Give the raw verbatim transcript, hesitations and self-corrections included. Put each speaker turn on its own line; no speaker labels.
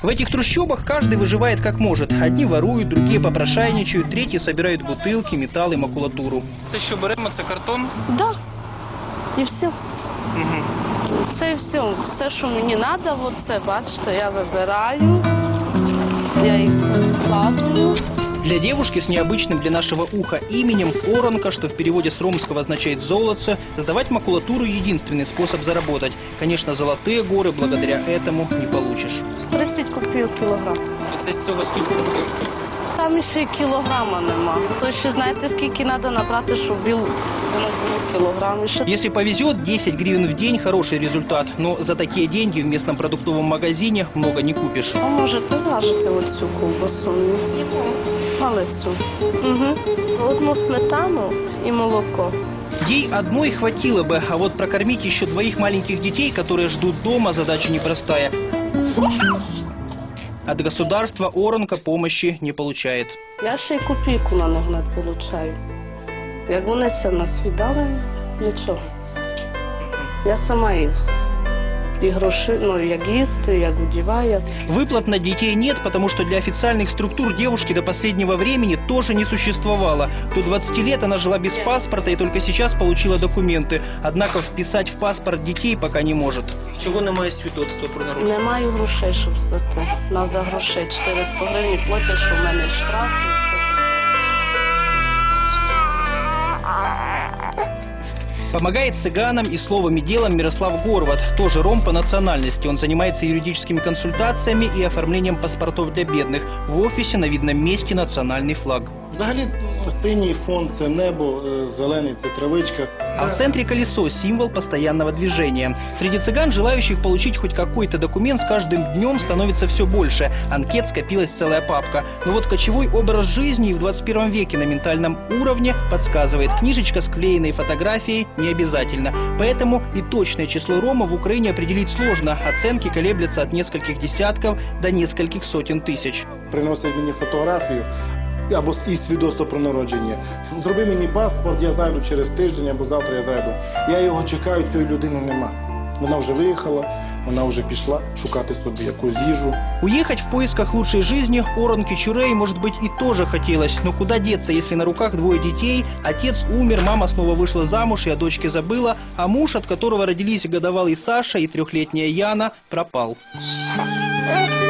В этих трущобах каждый выживает как может. Одни воруют, другие попрошайничают, третьи собирают бутылки, металл и макулатуру. Это еще беремо, это картон?
Да. І все. Угу. Це і все. Все, що мені треба, от це, бачите, я вибираю, я їх складую.
Для девушки с необычным для нашего уха именем Оронка, что в переводе с ромского означает «золотце», сдавать макулатуру – единственный способ заработать. Конечно, золотые горы благодаря этому не получишь.
тридцять копійок кілограм.
тридцять цього скільки буде?
Там ще й кілограма нема. То ще знаєте, скільки треба набрати, щоб воно було кілограм. Ще...
Если повезет, десять гривен в день – хороший результат. Но за такие деньги в местном продуктовом магазине много не купишь.
А можете зважити оцю ковбасу? Малицю. Угу. Одну сметану и молоко.
Ей одной хватило бы, а вот прокормить еще двоих маленьких детей, которые ждут дома, задача непростая. От государства Оронка помощи не получает.
Я ще й копійку на них не получаю. Як вони все нас віддали, нічого. Я сама їх. И гроши, ну, як їсти, як одеваю.
Выплат на детей нет, потому что для официальных структур девушки до последнего времени тоже не существовало. До двадцати лет она жила без паспорта и только сейчас получила документы. Однако вписать в паспорт детей пока не может. Чего немає свідоцтва про народження?
Не маю грошей, щоб здати. Надо грошей. чотириста гривень платять, що в мене штраф.
Помогает цыганам и словом и делом Мирослав Горват, тоже ром по национальности. Он занимается юридическими консультациями и оформлением паспортов для бедных. В офисе на видном месте национальный флаг.
Взагалі синій фон – це небо, зелений – це травичка.
А в центре колесо – символ постоянного движения. Среди цыган, желающих получить хоть какой-то документ, с каждым днем становится все больше. Анкет скопилась целая папка. Но вот кочевой образ жизни и в двадцать первом веке на ментальном уровне подсказывает. Книжечка с клеенной фотографией не обязательно. Поэтому и точное число ромов в Украине определить сложно. Оценки колеблются от нескольких десятков до нескольких сотен тысяч.
Приносять мені фотографію або і свідоцтво про народження. Зроби мені паспорт, я зайду через тиждень або завтра я зайду. Я його чекаю, цієї людини нема. Вона вже виїхала, вона вже пішла шукати собі якусь їжу.
Уехать в поисках лучшей жизни Оронке Чурей, может быть, и тоже хотелось. Но куда деться, если на руках двое детей? Отец умер, мама снова вышла замуж и о дочке забыла, а муж, от которого родились годовалый Саша и трехлетняя Яна, пропал.